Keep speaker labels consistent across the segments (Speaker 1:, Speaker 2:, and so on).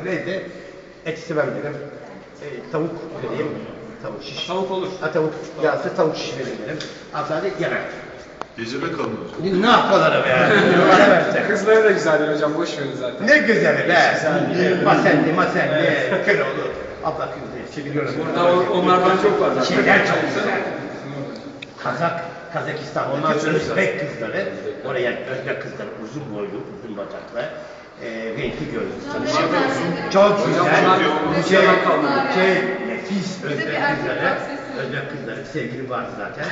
Speaker 1: neydi? Et istemem dedim. Tavuk vereyim. Tavuk şiş.
Speaker 2: Tavuk olur.
Speaker 1: Ha tavuk. Yağsı tavuk şiş vereyim dedim. Abla dedi yemek.
Speaker 3: Gecede kalın.
Speaker 1: Ne yapıyorlar be? Bana versene.
Speaker 2: Kızları da güzeldir hocam, boş verin zaten.
Speaker 1: Ne güzeli be. Masenli, Köroğlu. Abla kızı seviyorum.
Speaker 2: Burada onlardan çok var.
Speaker 1: Şeyler çok güzel. Kazakistan'daki Özbek kızları, oraya Özbek kızları uzun boylu, uzun bacaklı, renkli gözlü, sarışın, çok güzel, nefis Özbek kızları, sevgili vardı zaten.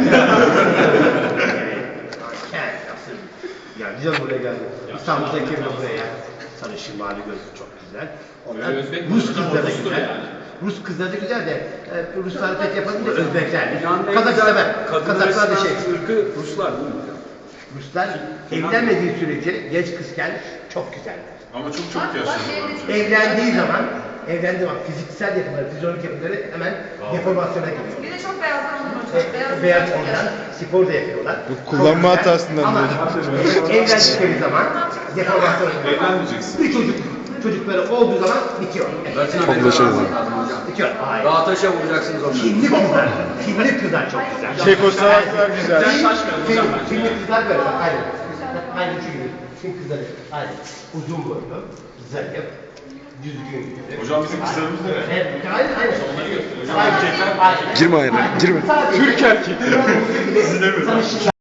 Speaker 1: Nasıl, ya güzel buraya geldi. İstanbul'daki buraya, sarışın, mavi gözlü çok güzel. Onlar Rus kızları da güzel. Rus kızları da güzel de Ruslar pek yapalım da Özbekler. Kazaklar ben. Kazaklar da şey.
Speaker 2: Irkı Ruslar değil mi?
Speaker 1: Ruslar evlenmediği sürece genç kızken çok güzeller.
Speaker 3: Ama çok yaşlı.
Speaker 1: Evlendiği zaman fiziksel yapıları, fizyolojik yapıları hemen deformasyona giriyor.
Speaker 4: Bir de çok beyazlar olur.
Speaker 1: Beyaz ondan spor da yapıyorlar.
Speaker 5: Bu kullanma hatasından
Speaker 1: ama evlendikleri zaman deformasyona giriyor.
Speaker 3: Evlenmeyeceksin.
Speaker 1: Bir çocukları olduğu zaman bitiyor.
Speaker 5: Çok başarılı.
Speaker 1: Bitiyor. Hayır.
Speaker 2: Dağ taşa vuracaksınız onları.
Speaker 1: Finli kızlar çok güzel.
Speaker 5: Çekoslovaklar güzel.
Speaker 1: Finli kızlar böyle bak aynı. Aynı çünkü Fin kızları aynı. Uzun boylu, zayıf, düzgün yüzlü.
Speaker 3: Hocam bizim kızlarımız da ne?
Speaker 1: Evet, aynı. Onları gösteriyor.
Speaker 5: Girme aynen, girme.
Speaker 1: Türk erkekleri.